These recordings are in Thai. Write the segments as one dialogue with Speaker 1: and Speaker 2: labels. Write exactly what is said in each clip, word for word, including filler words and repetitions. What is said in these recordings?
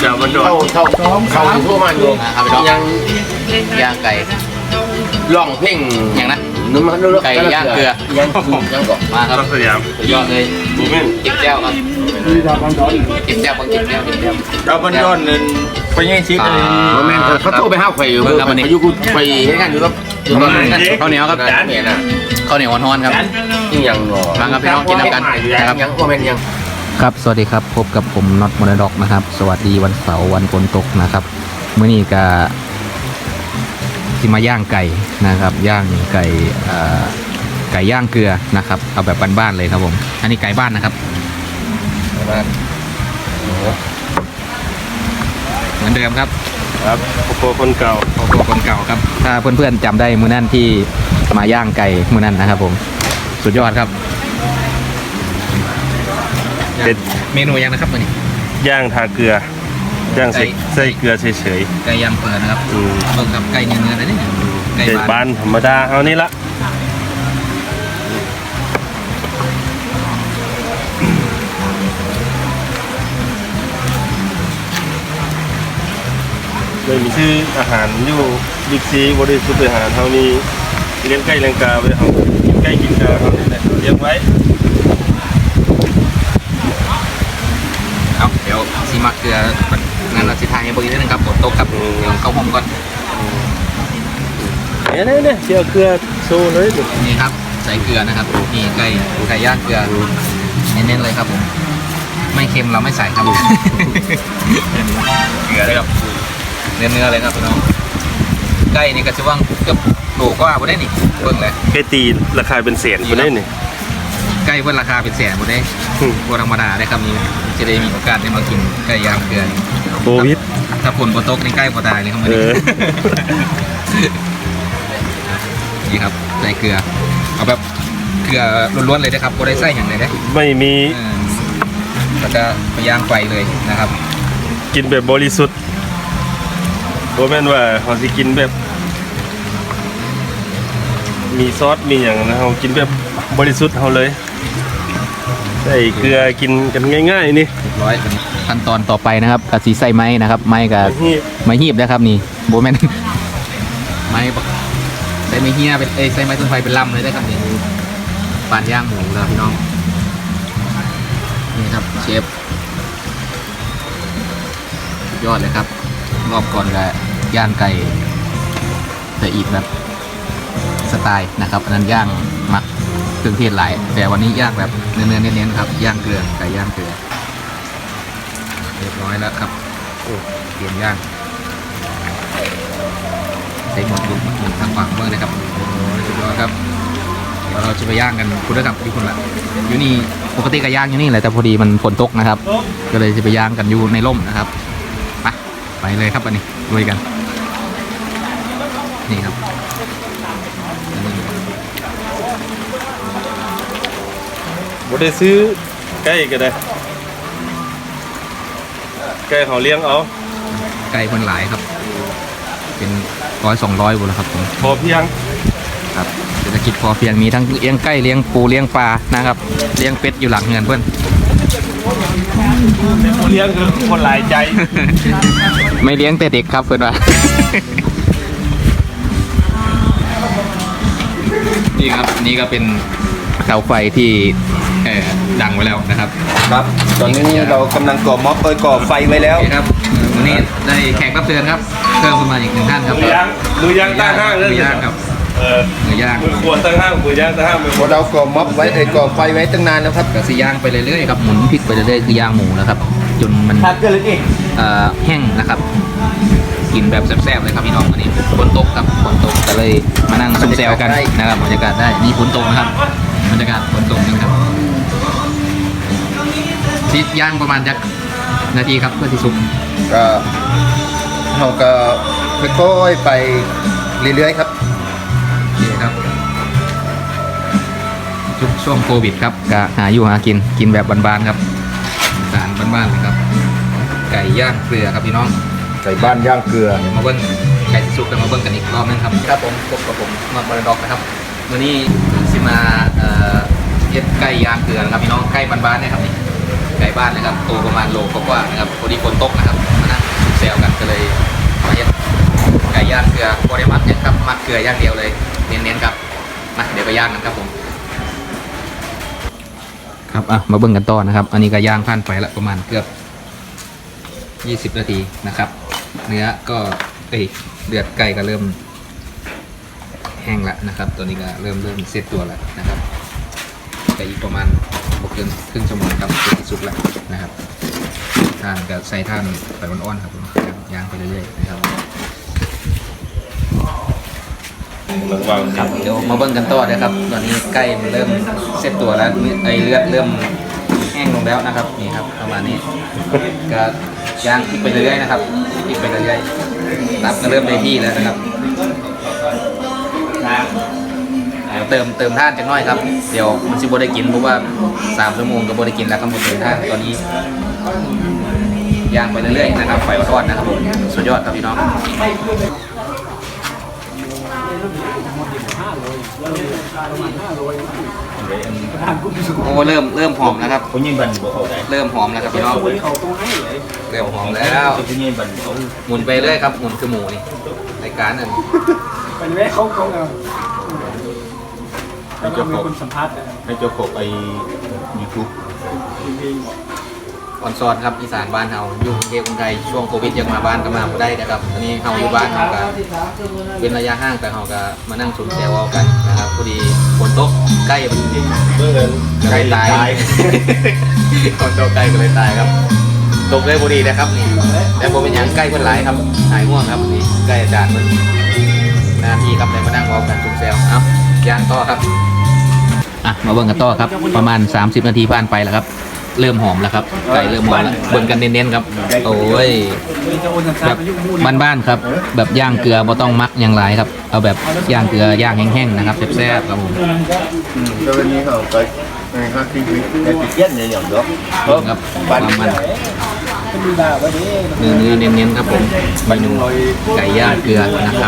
Speaker 1: จะมันโดนเข้าเข้าเข้าทั่วมันอยู่ยัง
Speaker 2: ย่างไก่
Speaker 1: ล่องเพ่ง
Speaker 2: อย่างนั้น
Speaker 1: นุ่มนุ่ม
Speaker 2: ไก่ย่างเกลือ
Speaker 1: ยังยังก่อน
Speaker 2: มาครับ
Speaker 1: สยาม
Speaker 2: ยอดเลยเก็บแก้วครับเก็บแก้วบางเก็บแก้วเก็บแก้ว
Speaker 3: เราบันดอนนึงไปยังชิดเลย
Speaker 1: โมเมนต์เขาโทรไปห้าวไข่อยู่เพื่อนอายุกูไปให้กันอยู่ครับอยู่ตอนนั้น
Speaker 2: ข้าวเหนียวครับ
Speaker 1: จานเนี่ยนะ
Speaker 2: ข้าวเหนียวฮ้อนๆครับ
Speaker 1: ยิ่งยังหรอ
Speaker 2: มาครับพี่น้องกินน้ำกันนะครับ
Speaker 1: ยังโมเมนต์ยัง
Speaker 2: ครับสวัสดีครับพบกับผมน็อตมอร์ด็อกนะครับสวัสดีวันเสาร์วันฝนตกนะครับมื้อนี้ก็ที่มาย่างไก่นะครับย่างไก่ไก่ย่างเกลือนะครับเอาแบบบ้านๆเลยครับผมอันนี้ไก่บ้านนะครับบ้านเหมือนเดิมครับ
Speaker 3: ครับโคคนเก่า
Speaker 2: โคคนเก่าครับถ้าเพื่อนๆจำได้มื้อนั้นที่มาย่างไก่มื้อนั้นนะครับผมสุดยอดครับเป็นเมนูยังนะครับมื้อนี้
Speaker 3: ย่างทาเกลือย่างใส่ใส่เกลือเฉย
Speaker 2: ๆไก่ย่างเปิดนะครับเปิดกับไก่เนื้อๆเลยนี่
Speaker 3: ไก่บ้านธรรมดาเอานี่ละเลยมีชื่ออาหารอยู่บิ๊กซีบริสุทธิ์อาหารเขามีเลี้ยงไก่เลี้ยงกาไว้เขากินไก่กินกาเขาเนี่ยเลี้ยงไว้
Speaker 2: เอาเดี๋ยวซีมักเกลืองั้นเราสิทายให้บริษัทนึงครับฝนตกครับเดี๋ยวเข้าห้องก่อน
Speaker 3: เนี่ยเนี่ยเนี่ยเจียวเกลือโซ่เลย
Speaker 2: นี่ครับใส่เกลือนะครับนี่ไก่ไก่ย่างเกลือเน้นๆเลยครับผมไม่เค็มเราไม่ใส่ครับเกลือเลยครับเนื้อเนื้อเลยครับพี่น้องไก่นี่ก็จะว่างเกือบโลก็ว่าบ่ได้นี่เบิ่งเลย
Speaker 3: ไก่ตีราคาเป็นแสนบ่ได้นี่
Speaker 2: ไก่เพิ่นราคาเป็นแสนบ่ได้บ่ธรรมดาได้ครับนี่จะได้มีโอกาสได้มากินไก่ย่างเกลือ
Speaker 3: โควิด
Speaker 2: ถ้าฝนบ่ตกนี่ไก่บ่ตายเลยครับมื้อนี้นี่ครับใส่เกลือเอาแบบเกลือล้วนๆเลยนะครับบ่ได้ใส่หยังเลยเด้
Speaker 3: ไม่มี
Speaker 2: แล้วก็ไปย่างไฟเลยนะครับ
Speaker 3: กินแบบบริสุทธิ์โบแม่นว่าเขาสิกินแบบมีซอสมีอย่างนะเขากินแบบบริสุทธิ์เขาเลยใส่เกลือกินกันง่ายๆนี่
Speaker 2: เรียบร้อยขั้นตอนต่อไปนะครับกะสีใส่ไม้นะครับไม้กับไม้หีบนะครับนี่โบแม่นไม้ใส่ไม้เฮียเป็นเอ้ใส่ไม้ต้นไฟเป็นลำเลยได้ครับนี่ปานย่างหมูแล้วพี่น้องนี่ครับเชฟยอดเลยครับรอบก่อนก็ย่างไก่แต่อีกแบบสไตล์นะครับอันนั้นย่างหมักเครื่องเทศหลายแต่วันนี้ย่างแบบเนื้อๆเน้นๆครับย่างเกลือไก่ย่างเกลือเรียบร้อยแล้วครับโอ้เตรียมย่างใส่หมดหมดหมดทางฝั่งเมื่อนะครับโอ้โหสุดยอดครับเดี๋ยวเราจะไปย่างกันคุณระดับที่คุณละอยู่นี่ปกติก็ย่างอยู่นี่แหละแต่พอดีมันฝนตกนะครับก็เลยจะไปย่างกันอยู่ในร่มนะครับไปไปเลยครับอันนี้ลุยกันนี่ครับ
Speaker 3: บ่ได้ซื้อไก่ก็ได้ไก่เขาเลี้ยงเอา
Speaker 2: ไก่คนหลายครับเป็นร้อยสองร้อยบุแล้วครับผม
Speaker 3: พอเพียง
Speaker 2: ครับเศรษฐกิจพอเพียงมีทั้งเลี้ยงไก่เลี้ยงปูเลี้ยงปลานะครับเลี้ยงเป็ดอยู่หลังเงินเพื่อน
Speaker 3: เลี้ยงคือคนหลายใจ
Speaker 2: ไม่เลี้ยงแต่เด็กครับเพื่อนว่านี่ครับนี่ก็เป็นเสาไฟที่ดังไว้แล้วนะครับ
Speaker 1: ครับตอนนี้เรากำลังก่อม็อบเอ้ยก่อไฟไว้แล้ว
Speaker 2: ครับวันนี้ได้แขกรับเชิญครับเพิ่มขึ้นมาอีกหนึ่งท่านครับ
Speaker 3: มือย่างมือย่างตั้งห้างเลย
Speaker 2: มือย่างครับ
Speaker 3: เออ
Speaker 2: มือย่าง
Speaker 3: มือขวดตั้งห้างมือย่างตั้งห้าง
Speaker 1: พอเราก่อม็อบไว้ไอ้ก่อไฟไว้ตั้งนานแล้วครับ
Speaker 2: ก็สีย่างไปเรื่อยๆครับหมุนพลิกไปเรื่อยๆคือย่างหมูนะครับจนมันแห้งนะครับกินแบบแซ่บๆเลยครับพี่น้องวันนี้ฝนตกครับฝนตกก็เลยมานั่งซุ่มแซวกันนะครับบรรยากาศได้นี่ฝนตกนะครับบรรยากาศฝนตกจริงครับที่ย่างประมาณจักนาทีครับเพื่อที่สุก
Speaker 1: ก็เราก็ค่อยๆไปเรื่อยๆครับ
Speaker 2: นี่ครับชุกช่วงโควิดครับก็หาอยู่หากินกินแบบบ้านๆครับสารบ้านๆเลยครับไก่ย่างเกลือครับพี่น้อง
Speaker 1: ไก่บ้านย่างเกลือ
Speaker 2: มาเบิ้งไก่สุกกันมาเบิ้งกันอีกรอบนึงครับครับผมพบกับผมมาบาร์ด็อกนะครับวันนี้สิมาเย็ดไก่ย่างเกลือนะครับพี่น้องไก่บ้านๆนะครับนี่ไก่บ้านนะครับโตประมาณโลกว่าๆนะครับพอดีฝนตกนะครับมานั่งซลกันก็เลยมาเฮ็ดไก่ย่างเกลือบริมักเนี่ยครับมักเกลือย่างเดียวเลยเน้นๆครับมาเดี๋ยวไปย่างกันครับผมครับอ่ะมาเบิ่งกันต่อนะครับอันนี้ก็ย่างผ่านไปละประมาณเกือบยี่สิบนาทีนะครับเนื้อก็เอ้ยเดือดไก่ก็เริ่มแห้งแล้วนะครับตัวนี้ก็เริ่มเริ่มเซตตัวแล้วนะครับไก่อีกประมาณบวกเกินครึ่งชั่วโมงครับจะสุกแล้วนะครับท่านก็ใส่ท่านไฟอ่อนๆครับผมย่างไปเรื่อยๆนะครับครับเดี๋ยวมาเบิ่งกันต่อนะครับตอนนี้ไก่มันเริ่มเซตตัวแล้วไอเลือดเริ่มแห้งลงแล้วนะครับนี่ครับประมาณนี้ก็ย่างอีกไปเรื่อยๆนะครับอีกไปเรื่อยๆตับก็เริ่มได้ที่แล้วนะครับเดี๋ยวเติมเติมท่านจังน้อยครับเดี๋ยวมันสิบ่ได้กินเพราะว่าสามชั่วโมงก็บ่ได้กินแล้วครับหมดเติมท่านตอนนี้ย่างไปเรื่อยๆนะครับไฟอ่อนๆนะครับผมสุดยอดครับพี่น้องโอ้เริ่มเริ่มหอมแล้วครับ
Speaker 4: ผมยิงบันบ่เข้าได้
Speaker 2: เริ่มหอมแล้วครับพี่น้องเริ่มหอมแล้ว
Speaker 4: ผมยิงบันเขา
Speaker 2: หมุนไปเรื่อยครับหมุนคือหมูนี่รายการนั่น
Speaker 5: เป็นแม่เขาเขาเอา
Speaker 4: ให้เจ้าของ
Speaker 5: คนสัมภาษณ์นะ
Speaker 4: ให้เจ้าของไอ้ยูทูบ
Speaker 2: ออนซอนครับอีสานบ้านเฮาอยู่กรุงเทพกรุงไทยช่วงโควิดยังมาบ้านก็มาบ่ได้นะครับตอนนี้เฮาอยู่บ้านเฮาก็เป็นระยะห่างแต่เฮาก็มานั่งสูดแซวเอากันนะครับพอดีฝนตกใกล้มัน
Speaker 3: เมื่อนั้น
Speaker 2: ใกล้ตายฝนตกใกล้ก็เลยตายครับตกเลยพอดีนะครับนี่แต่ผมเป็นอย่างใกล้คนหลายครับหายง่วงครับนี่ใกล้อาจารย์มันนาทีครับเลยมานั่งเว้ากันสูดแซวเอ้าย่างต่อครับอ่ะมาเบิ่งกันต่อครับประมาณสามสิบนาทีผ่านไปแล้วครับเริ่มหอมแล้วครับไก่เริ่มหอมแล้วเบิ่งกันเน้นๆครับโอ้ยแบบบ้านๆครับแบบย่างเกลือบ่ต้องมักอย่างไรครับเอาแบบย่างเกลือย่างแห้งๆนะครับแซ่บๆครับผม
Speaker 1: แล้ววันนี้เขาไปห้าที่วิในติเตี้ยนเนี่ยอย่างเดียว
Speaker 2: ครับความมัน
Speaker 5: เป็นดีดาไว้ดิ
Speaker 2: เนื้อเนื้อเน้นๆครับผมเมนูไก่ย่างเกลือนะครับ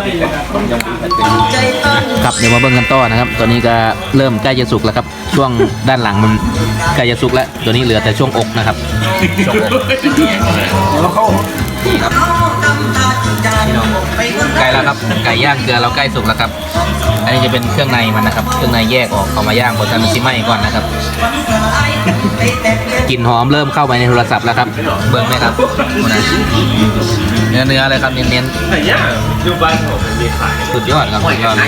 Speaker 2: ครับเดี๋ยวมาเบิ่งกันต่อนะครับตัวนี้ก็เริ่มใกล้จะสุกแล้วครับช่วงด้านหลังมันใกล้จะสุกแล้วตัวนี้เหลือแต่ช่วงอกนะครับช่วงอก
Speaker 5: แล้วเขา
Speaker 2: นี่ครับพี่น้องไก่แล้วครับไก่ย่างเกลือเราใกล้สุกแล้วครับอันนี้จะเป็นเครื่องในมันนะครับเครื่องในแยกออกเอามาย่างบนทันซิไหม้ก่อนนะครับกลิ่นหอมเริ่มเข้าไปในโทรศัพท์แล้วครับเบิ่งไหมครับเนื้อเนื้อเลยครับเน้น
Speaker 3: แต่ย่าอยู่บ้านผมมันมีขาย
Speaker 2: ๆสุดยอดครับสุดยอดเลย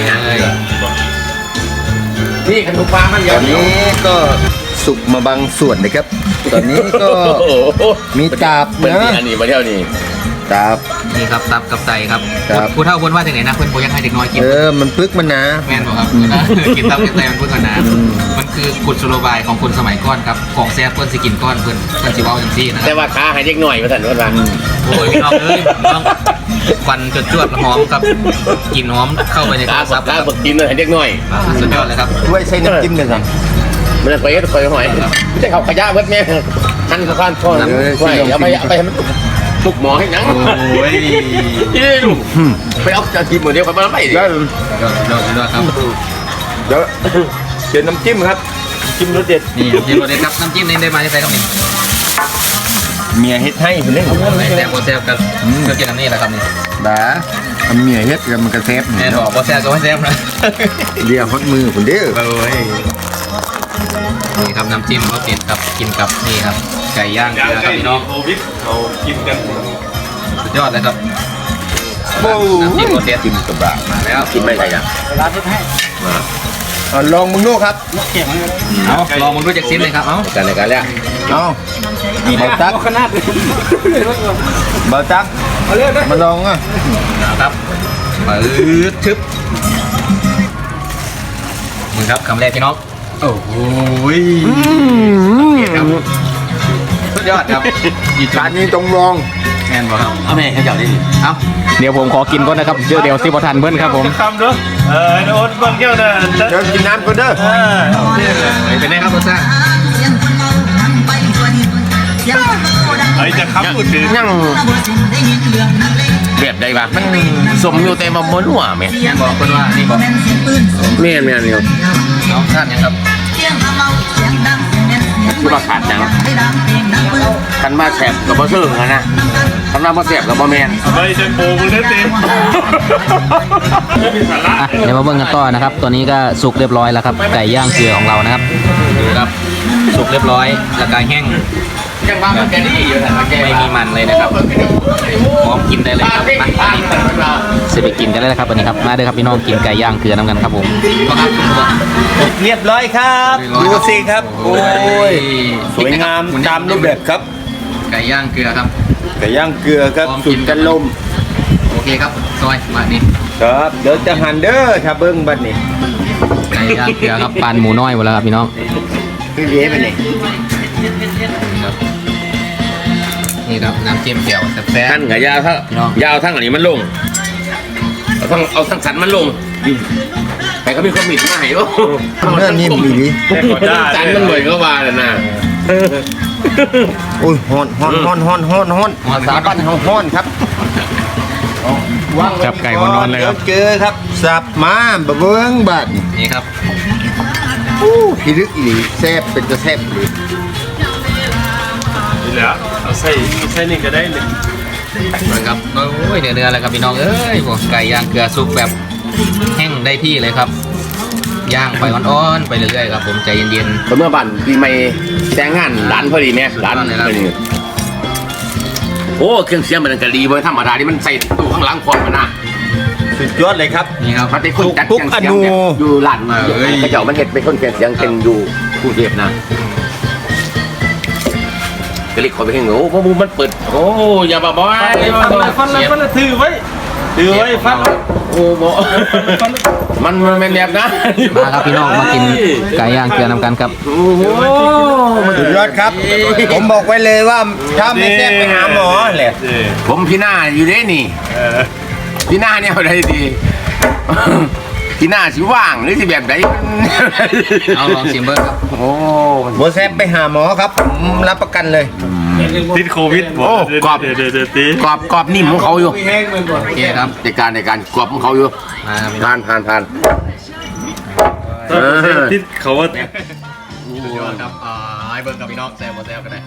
Speaker 3: นี่ขนมปังมัน
Speaker 1: ต
Speaker 3: ยั
Speaker 1: อง นนี้ก็สุกมาบางส่วนนะครับ ตอนนี้ก็มีตาบ
Speaker 3: เป็น
Speaker 1: นะ
Speaker 3: อันนี้มาเที่ยวนี้
Speaker 1: ตาบ
Speaker 2: นี่ครับตับกับไตครับ
Speaker 1: ครับ
Speaker 2: ผู้เฒ่าคนว่าจากไหนนะเพื่อนโบยังให้เด็กน้อยกิน
Speaker 1: เออมันปึกมันนะ
Speaker 2: แม่นบอกครับกินตับกินไตมันเพื่อนกันนะมันคือกุศโลบายของคนสมัยก่อนครับของแซ่บเพื่อนสิกินก้อนเพื่อนเพื่อนสิเว้าจังซี่นะค
Speaker 3: แต่
Speaker 2: รับ
Speaker 3: ว่าค้าให้เด็กหน่อยมาสั่นว่า
Speaker 2: โอ้ยพี่น้องเอ้ยต้องควันจดจวดหอมครับกลิ่นหอมเข้าไปในโท
Speaker 3: ค้าร
Speaker 2: ศัพท์
Speaker 3: ค้า
Speaker 2: ครับ
Speaker 3: บักกินเลยให้เด็กหน่อย
Speaker 2: สุดยอดเลยครับ
Speaker 1: ไว้ใช้น้ำจิ้มเลยครับ
Speaker 3: มันไปก็ไปหอยไม่ใช่เขาขยะเบิดแม่หั่นข้าวข้านทอดไว้เอาไปเอาไปให้มันทุกหมอให้หนัง
Speaker 2: โอ้ย
Speaker 3: นี่ลูกไปเอาจะกินหมดเดียวกันมาไม่ดิ
Speaker 1: แล้ว
Speaker 2: ยอดยอดยอดครับ
Speaker 1: เดี๋ยวเขียนน้ำจิ้มครับ
Speaker 3: จิ้มรสเด็ด
Speaker 2: นี่นี่โรเดครับน้ำจิ้มนี่ได้มาจะใส่ครับนี่
Speaker 1: เมียเฮ็ดให้คนนี้
Speaker 2: แซ่บโบแซ่บกันก็กินน้ำนี่แหละครับนี่
Speaker 1: บ้าทำเมียเฮ็ดกันมันกระเซฟ
Speaker 2: แม่บอกโบแซ่บก็ไม่แซ่บนะ
Speaker 1: เรียกฮอตมือคนเด้อ
Speaker 2: โอ้ยนี่ครับน้ำจิ้มเขาเด็ดครับกินกับนี่ครับไก่ย่างเกลือครับพี่น้อง
Speaker 3: โควิดเขากินกัน
Speaker 2: สุดยอดเลยครับ
Speaker 1: โอ้
Speaker 2: น้ำจิ้มโรเด
Speaker 1: กินกระบะ
Speaker 2: มาแล้ว
Speaker 3: กินไม่ได้นะ
Speaker 5: ร้านที่ให้
Speaker 1: เอาลองมึงดูครับ
Speaker 5: เก่งเลย
Speaker 2: เอาลองมึงรู้จักซิมเลยครับเอา
Speaker 3: กันในการแล้ว
Speaker 1: เอาเบาตัก
Speaker 5: ขนาดเลย
Speaker 1: เบาตัก
Speaker 5: เอาเรื่องนะ
Speaker 1: มาลองอ่ะ
Speaker 2: ครับปื๊ดชึบมึงครับคำแรกพี่น้องโอ้โหครับสุดยอดครับอีก
Speaker 1: ร้านนี้ต้องลอง
Speaker 2: แน่นบ่ครับ
Speaker 3: เอาแม่ให้เจ้าได้ดิ
Speaker 2: เอาเดี๋ยวผมขอกินก่อนนะครับเดี๋ยวเดี๋ยวซิบทันเบิ้ลครับผม
Speaker 3: คำเด้อเออโอ๊ตบางแก้วน่ะ
Speaker 1: เดี๋ยวกินน้ำก่อนเด้อ
Speaker 2: เป็นไงครับรสชาติ
Speaker 3: ไอ้จะคำพูดถึง
Speaker 1: ยัง
Speaker 3: แบบใดบ้างมันสมอยู่แต่มาบนหัวแม่
Speaker 2: แม่นบอกคนว่านี่บอก
Speaker 3: แม่แม่นี่ครับ
Speaker 2: น้องชาติยังครับ
Speaker 3: คือว่าขาดจัง
Speaker 6: คันมาแสบกับบ่เซิงอะนะคันมาบ่แสบกับบ่แมน
Speaker 3: ไม่ใช่โปมึงนั่นเองไม่มีสาระ
Speaker 2: อ่ะเดี๋ยวมาเบิ่งกันต่อนะครับ ตัวนี้ก็สุกเรียบร้อยแล้วครับไก่ย่างเกลือของเรานะครับดูครับสุกเรียบร้อยแล้วก็แห้งยังว่ามันแกนี่อยู่แต่ไม่มีมันเลยนะครับพร้อมกินได้เลยครับมาอันนี้เสร็จไปกินกันได้แล้วครับวันนี้ครับมาเด้อครับพี่น้องกินไก่ย่างเกลือน้ำกันครับผมครับ
Speaker 4: เรียบร้อยครับดูสิครับโอ้ยสวยงามตามรูปแบบครับ
Speaker 2: ไก่ย่างเกลือครับ
Speaker 4: ไก่ย่างเกลือครับ
Speaker 2: พร้อมกิ
Speaker 4: สุ
Speaker 2: น
Speaker 4: ดกันลม
Speaker 2: โอเคครับซอยมานี่
Speaker 4: ครับเดี๋ยวจะหั่นเด้อถ้าเบิ้งบัดนี้
Speaker 2: ไก่ย่างเกลือครับปานหมูน้อยหมดแล้วครับพี่น้อง
Speaker 1: พี่เลี้ยไปไหน
Speaker 2: ครับนี่ครับน้ำจิ้มแจ่วแซ่บ
Speaker 6: ท่านกับยาวทั้งยาวทั้งอันนี้มันลงเอาทั้งเอาทั้งสันมันลงแต่ก็มีความมิดมาให้โอ้
Speaker 1: เนื้อนิ่มดีดี
Speaker 6: สันมันเหมือนก็ว่าเลยนะ
Speaker 1: โอ้ยฮ้อนฮ้อนฮ้อนฮ้อนฮ้อนฮ้อนภาษาบ้านเฮาฮ้อนครับ
Speaker 2: จับไก่วันนอนเลยครับ
Speaker 1: เจอครับสับมาบะเบิ้งบัด
Speaker 2: นี่ครับ
Speaker 1: อู้พิลึกอีหลีแซ่บเป็นจะแซ่บอีหลี
Speaker 3: นี่แหละเอาใส่เอาใส่นี่ก็ได้เลย
Speaker 2: มาครับโอ้ยเนื้อเนื้อเลยครับพี่น้องเอ้ยพวกไก่ย่างเกลือซุปแบบแห้งได้ที่เลยครับย่างไปอ่อนๆไปเรื่อยๆครับผมใจเย็น
Speaker 6: เมื่อบันปีใหม่แต่งงานร้านพอดีเนี่ยร้านพอดีโอ้เครื่องเสียงมันก็ดีเว้ยธรรมดาที่มันใส่ตู้ข้างหลังพร้อมกันนะ
Speaker 4: สุดยอดเลยครับ
Speaker 2: ๆนี่ครับ
Speaker 6: มันเป็นคนจัด
Speaker 4: ทุก
Speaker 6: เครื่องเสียงเนี่ย
Speaker 4: อนู
Speaker 6: อยู่ร้านกระเจ้ามันเห็ดเป็นคนเครื่องเสียงเป็นอยู่กรุงเทพนะก็เลยขอไปเห็นโอ้พวกมึงมันเปิดโอ้อย่าบ้าบอย
Speaker 3: ฟันละฟันละฟันละถือไว้ถือไว้ฟันละ
Speaker 6: โอ้โหมันมันเป็นแบบนะ
Speaker 2: มาครับพี่น้องมากินไก่ย่างเกลือนำกันครับ
Speaker 6: โอ้โห
Speaker 1: สุดยอดครับ ผมบอกไว้เลยว่าถ้าไม่แซ่บไปหาหมอแหละ
Speaker 6: ผมพี่หน้าอยู่เด้นี่พี่หน้าเนี่ยเอาได้ดีพี่หน้าสิว่างหรือสิแบบไหน
Speaker 2: เอาลองชิมเบอร์ครับ
Speaker 6: โอ้
Speaker 1: บ่แซ่บไปหาหมอครับผมรับประกันเลย
Speaker 3: ติดโควิดบ่เดี๋ยวเดี๋ยวเดี๋ยวตี
Speaker 6: กรอบกรอบนิ่มของเขาอยู่
Speaker 5: แห้งมันก่อน
Speaker 2: โอเคครับ
Speaker 6: ในการในการกรอบของเขาอยู่
Speaker 2: มาครับพี่น้อง
Speaker 6: ผ่านผ่านผ่าน
Speaker 3: ถ้าประเทศติดเขาว่า
Speaker 2: สุดยอดครับอ่าให้เบอร์กับพี่น้องแซ่บบ่แซ่บกันได้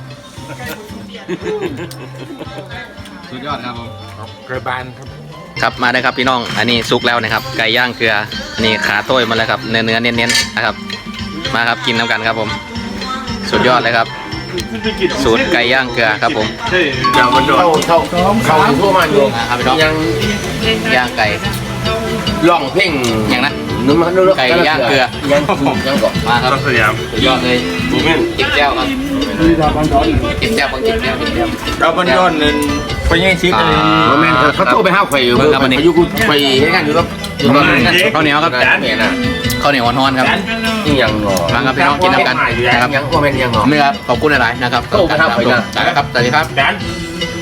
Speaker 2: สุดยอดครับผม
Speaker 1: กระบาลครับ
Speaker 2: ครับมาได้ครับพี่น้องอันนี้ซุกแล้วนะครับไก่ย่างเกลืออันนี้ขาโต้ยมาแล้วครับเนื้อเนื้อเน้นๆนะครับมาครับกินน้ำกันครับผมสุดยอดเลยครับสูตรไก่ย่างเกลือครับผม
Speaker 3: ใช่ยาวมันโดน
Speaker 6: เข้าเข้าเข้าอยู่ทั่วมาอยู่
Speaker 2: มาครับพี่น้อง
Speaker 6: ยัง
Speaker 2: ย่างไก่
Speaker 6: ล่องเพ่ง
Speaker 2: อย่างนั้น
Speaker 6: นึกมานึก
Speaker 2: ไก่ย่างเกลือ
Speaker 6: ยังยังก่อน
Speaker 2: มาครับ
Speaker 3: ต้องสยาม
Speaker 2: สุดยอดเลย
Speaker 3: บูมิน
Speaker 2: จิ้มแจ่วครับ
Speaker 5: มีดาวบันดอน
Speaker 2: จิ้มแจ่วบางจิ้มแจ่วจิ้มแจ่ว
Speaker 4: เราบันดอนนั่นไปยังชิปเลย
Speaker 6: โมเมนต์เขาโทรไปห้าวไข่อยู่เขาอยู่กูไปให้กันอยู่แล้วอยู่ตอนนั้น
Speaker 2: ข้าวเหนียวครับ
Speaker 6: จานเนี่ยนะ
Speaker 2: ข้าวเหนียวฮ้อนๆครับ
Speaker 6: นี่ยังงอ
Speaker 2: มาครับพี่น้องกินน้ำกันนะครับ
Speaker 6: ยังโมเมนต์ยังงอ
Speaker 2: ไม่ครับขอบคุณหลายๆนะครับ
Speaker 6: โอ้ครับ
Speaker 2: ได้ครับสวัสดีครับ
Speaker 3: จาน